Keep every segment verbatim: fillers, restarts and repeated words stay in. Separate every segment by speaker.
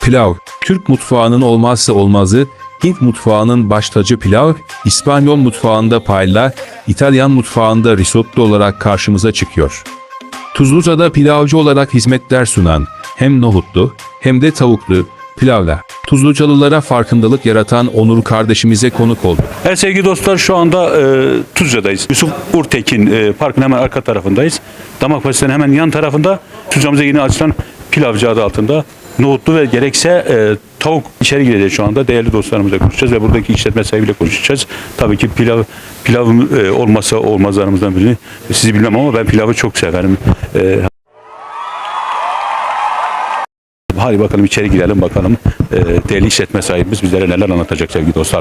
Speaker 1: Pilav, Türk mutfağının olmazsa olmazı, Hint mutfağının baş tacı pilav, İspanyol mutfağında paella, İtalyan mutfağında risotto olarak karşımıza çıkıyor. Tuzluca'da pilavcı olarak hizmetler sunan, hem nohutlu hem de tavuklu pilavla Tuzlucalılara farkındalık yaratan Onur kardeşimize konuk oldu.
Speaker 2: Evet sevgili dostlar, şu anda e, Tuzca'dayız. Yusuf Urtekin e, Park'ın hemen arka tarafındayız. Damak Pastanesi'nin hemen yan tarafında Tuzca'mıza yeni açılan pilavcı adı altında nohutlu ve gerekse e, tavuk içeri gireceğiz şu anda. Değerli dostlarımızla konuşacağız ve buradaki işletme sahibiyle konuşacağız. Tabii ki pilav pilav e, olmazsa olmazlarımızdan birini sizi bilmem ama ben pilavı çok severim. E, Hadi bakalım içeri girelim bakalım. E, değerli işletme sahibimiz bizlere neler anlatacak sevgili dostlar.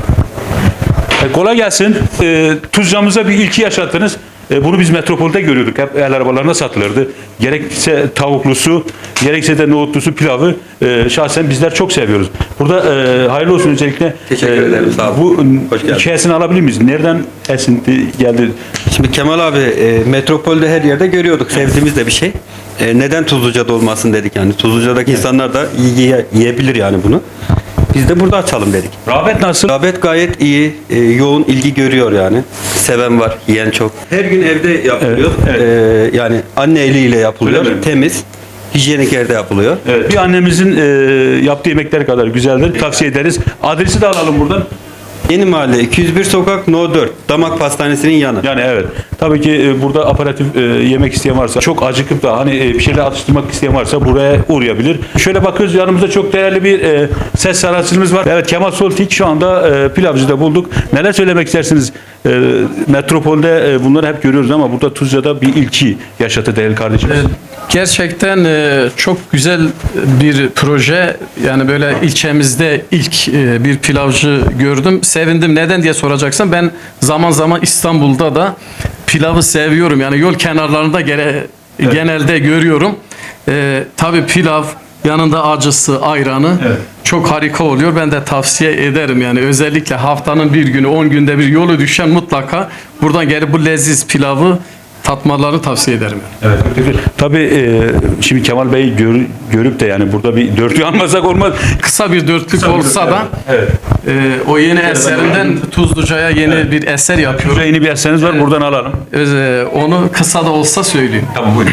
Speaker 2: E, kolay gelsin. E, Tuzca'mıza bir ilki yaşattınız. E, bunu biz metropolde görüyorduk. Hep el arabalarına satılırdı. Gerekse tavuklusu, gerekse de nohutlusu pilavı e, şahsen bizler çok seviyoruz. Burada e, hayırlı olsun öncelikle.
Speaker 3: Teşekkür
Speaker 2: e,
Speaker 3: ederim. Sağ olun.
Speaker 2: Bu hikayesini alabilir miyiz? Nereden esinti geldi?
Speaker 3: Şimdi Kemal abi e, metropolde her yerde görüyorduk. Sevdiğimiz de bir şey. E, neden Tuzluca'da olmasın dedik yani. Tuzluca'daki evet. insanlar da yiye, yiyebilir yani bunu. Biz de burada açalım dedik.
Speaker 2: Rağbet nasıl?
Speaker 3: Rağbet gayet iyi. E, yoğun ilgi görüyor yani. Seven var, yiyen çok. Her gün evde yapılıyor.
Speaker 2: Evet, evet.
Speaker 3: E, yani anne eliyle yapılıyor. Temiz. Hijyenik yerde yapılıyor.
Speaker 2: Evet. Bir annemizin e, yaptığı yemekler kadar güzeldir. Tavsiye ederiz. Adresi de alalım buradan.
Speaker 3: Yeni Mahalle iki yüz bir Sokak No dört. Damak Pastanesi'nin yanı.
Speaker 2: Yani evet. Tabii ki e, burada aparatif e, yemek isteyen varsa, çok acıkıp da hani e, bir şeyler atıştırmak isteyen varsa buraya uğrayabilir. Şöyle bakıyoruz, yanımızda çok değerli bir e, ses sanatçımız var. Evet, Kemal Soltik şu anda e, pilavcıda bulduk. Neler söylemek istersiniz? E, metropolde e, bunları hep görüyoruz ama burada Tuzca'da bir ilki yaşatı değerli kardeşimiz.
Speaker 4: Evet. Gerçekten e, çok güzel bir proje. Yani böyle ilçemizde ilk e, bir pilavcı gördüm. Sevindim. Neden diye soracaksan, ben zaman zaman İstanbul'da da pilavı seviyorum. Yani yol kenarlarında gene, evet. genelde görüyorum. E, tabii pilav yanında acısı, ayranı evet. çok harika oluyor. Ben de tavsiye ederim. Yani özellikle haftanın bir günü, on günde bir yolu düşen mutlaka buradan gelip bu leziz pilavı tatmalarını tavsiye ederim.
Speaker 2: Evet. Tabii e, şimdi Kemal Bey gör, görüp de yani burada bir dörtlü almasak olmaz.
Speaker 4: Kısa bir dörtlük
Speaker 2: Kısa
Speaker 4: olsa
Speaker 2: bir,
Speaker 4: da
Speaker 2: evet.
Speaker 4: e, o yeni eserinden Tuzluca'ya yeni evet. bir eser yapıyor.
Speaker 2: Tuzluca'ya yeni bir eseriniz var. Evet. Buradan alalım.
Speaker 4: E, onu kısa da olsa söyleyeyim.
Speaker 2: Tamam, buyurun.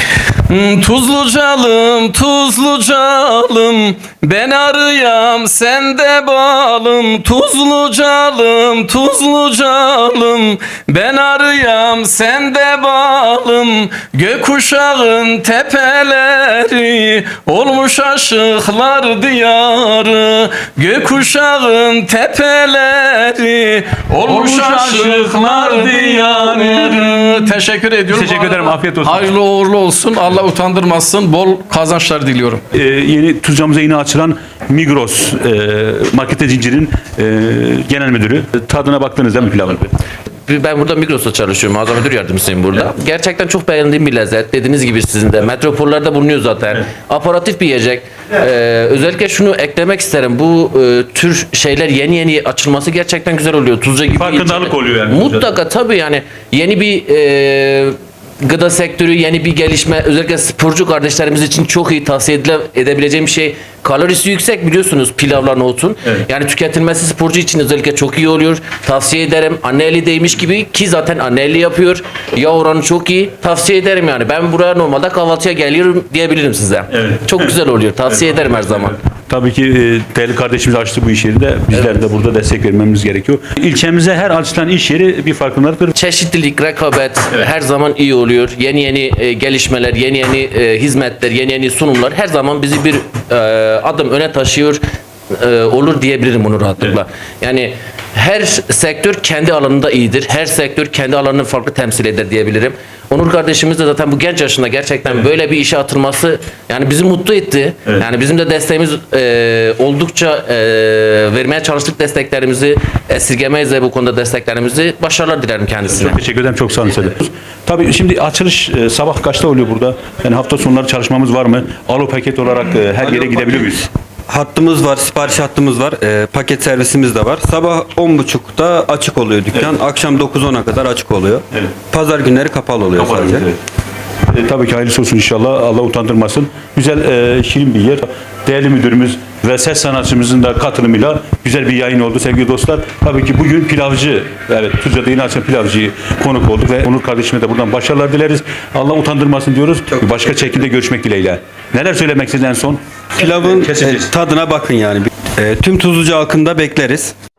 Speaker 4: Tuzlucalım, Tuzlucalım, ben arıyam sen de balım. Tuzlucalım, Tuzlucalım, ben arıyam sen de balım. Gökkuşağın tepeleri olmuş aşıklar diyarı. Gökkuşağın tepeleri olmuş aşıklar diyarı. Teşekkür ediyorum.
Speaker 2: Teşekkür ederim. Afiyet olsun.
Speaker 4: Hayırlı uğurlu olsun. Allah utandırmasın. Bol kazançlar diliyorum.
Speaker 2: Ee, yeni Tuzca'mıza yeni açılan Migros e, market zincirinin e, genel müdürü. Tadına baktınız değil mi pilavın?
Speaker 5: Ben burada Migros'ta çalışıyorum. Mağaza müdür yardımcısıyım burada. Evet. Gerçekten çok beğendiğim bir lezzet. Dediğiniz gibi sizin de. Metropollerde bulunuyor zaten. Evet. Aparatif bir yiyecek. Evet. Ee, özellikle şunu eklemek isterim. Bu e, tür şeyler yeni yeni açılması gerçekten güzel oluyor. Tuzca gibi.
Speaker 2: Farkındalık oluyor yani.
Speaker 5: Mutlaka tabii yani. Yeni bir e, gıda sektörü, yeni bir gelişme. Özellikle sporcu kardeşlerimiz için çok iyi tavsiye edebileceğim bir şey. Kalorisi yüksek biliyorsunuz pilavla nohutun. Evet. Yani tüketilmesi sporcu için özellikle çok iyi oluyor. Tavsiye ederim. Anne eli değmiş gibi, ki zaten anne eli yapıyor. Yağ oranı çok iyi. Tavsiye ederim yani. Ben buraya normalde kahvaltıya geliyorum diyebilirim size. Evet. Çok güzel oluyor. Tavsiye evet. ederim her zaman.
Speaker 2: Evet. Tabii ki e, değerli kardeşimiz açtı bu iş yeri de. Bizler evet. de burada destek vermemiz gerekiyor. İlçemize her açılan iş yeri bir farkındalıktır.
Speaker 5: Çeşitlilik, rekabet evet. her zaman iyi oluyor. Yeni yeni e, gelişmeler, yeni yeni e, hizmetler, yeni yeni sunumlar her zaman bizi bir e, adım öne taşıyor e, olur diyebilirim bunu rahatlıkla. Evet. Yani her sektör kendi alanında iyidir. Her sektör kendi alanını farklı temsil eder diyebilirim. Onur kardeşimiz de zaten bu genç yaşında gerçekten evet. böyle bir işe atılması yani bizi mutlu etti. Evet. Yani bizim de desteğimiz e, oldukça e, vermeye çalıştık desteklerimizi. Esirgemeyiz de bu konuda desteklerimizi. Başarılar dilerim kendisine.
Speaker 2: Çok teşekkür ederim. Çok sağ olun. Tabii şimdi açılış e, sabah kaçta oluyor burada? Yani hafta sonları çalışmamız var mı? Alo paket olarak e, her yere gidebiliyor muyuz?
Speaker 3: Hattımız var, sipariş hattımız var, e, paket servisimiz de var. Sabah on buçukta açık oluyor dükkan, evet. akşam dokuz ona kadar açık oluyor. Evet. Pazar günleri kapalı oluyor kapalı, sadece. Evet.
Speaker 2: E, tabii ki hayırlısı olsun inşallah. Allah utandırmasın. Güzel, e, şirin bir yer. Değerli müdürümüz ve ses sanatçımızın da katılımıyla güzel bir yayın oldu sevgili dostlar. Tabii ki bugün pilavcı, evet Tuzla'da yeni açan pilavcıyı konuk olduk ve Onur kardeşime de buradan başarılar dileriz. Allah utandırmasın diyoruz. Bir başka çekimde görüşmek dileğiyle. Neler söylemek istediniz en son?
Speaker 3: Pilavın
Speaker 2: Keseceğiz.
Speaker 3: e, tadına bakın yani. E, tüm Tuzluca halkını da bekleriz.